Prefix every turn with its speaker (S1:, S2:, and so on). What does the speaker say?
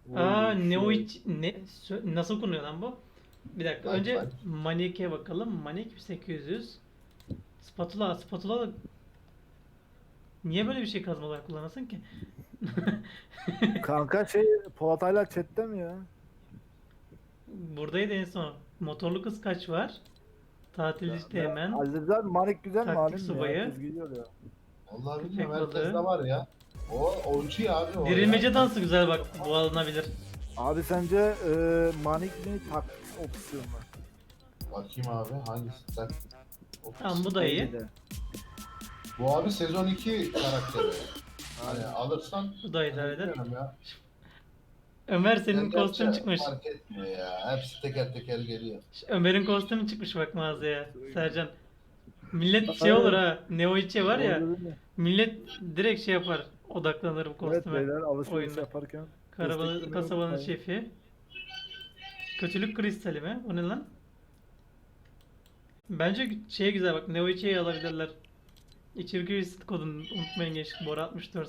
S1: Aa,
S2: Oy
S1: Neo
S2: şey.
S1: hiç nasıl okunuyor lan bu? Bir dakika.
S3: Bak
S1: Önce
S3: bak.
S1: Manik'e bakalım. Manik 800. Spatula da niye böyle bir şey kazma olarak kullanasın ki?
S2: Kanka şey Polat hala chatte mi ya?
S1: Buradaydı en son. Motorlu kız kaç var? Tatilci
S2: Ne?
S1: Teğmen.
S2: Halil'den Manik güzel mi
S1: Taktik
S2: halim mi ya?
S1: subayı.
S2: Herkes gidiyor ya.
S3: Vallahi bilmiyorum,
S1: Köpek
S3: herkes de
S1: balığı.
S3: var ya. O oyuncu ya abi o ya.
S1: Dirilmece dansı güzel bak. Bu alınabilir.
S2: Abi sence Manik mi taktik opsiyon mu?
S3: Bakayım abi hangisi tak.
S1: Tamam, bu da iyi.
S2: Bence de.
S3: Bu abi sezon 2 karakteri. Hani alırsan
S1: Bu da idare eder.
S3: bilmiyorum ya.
S1: Ömer, senin
S3: Yani
S1: kostüm
S3: gerçi
S1: çıkmış.
S3: fark etmiyor ya. Hepsi teker teker geliyor.
S1: Ömer'in kostümü çıkmış bak mağazaya. Sercan. Millet şey olur
S2: Aynen.
S1: ha. Neo içe var ya.
S2: Doğru değil mi?
S1: Millet direkt şey yapar. Odaklanır bu
S2: Evet
S1: kostüme.
S2: beyler alışveriş
S1: Oyunda.
S2: yaparken desteklemeyi
S1: Kasabanın
S2: unutmayın.
S1: şefi. Kötülük kristali mi? O ne lan? Bence şey güzel bak. Neo içeyi alabilirler. İçerik üyesi kodunu unutmayın gençlik. Bora 64.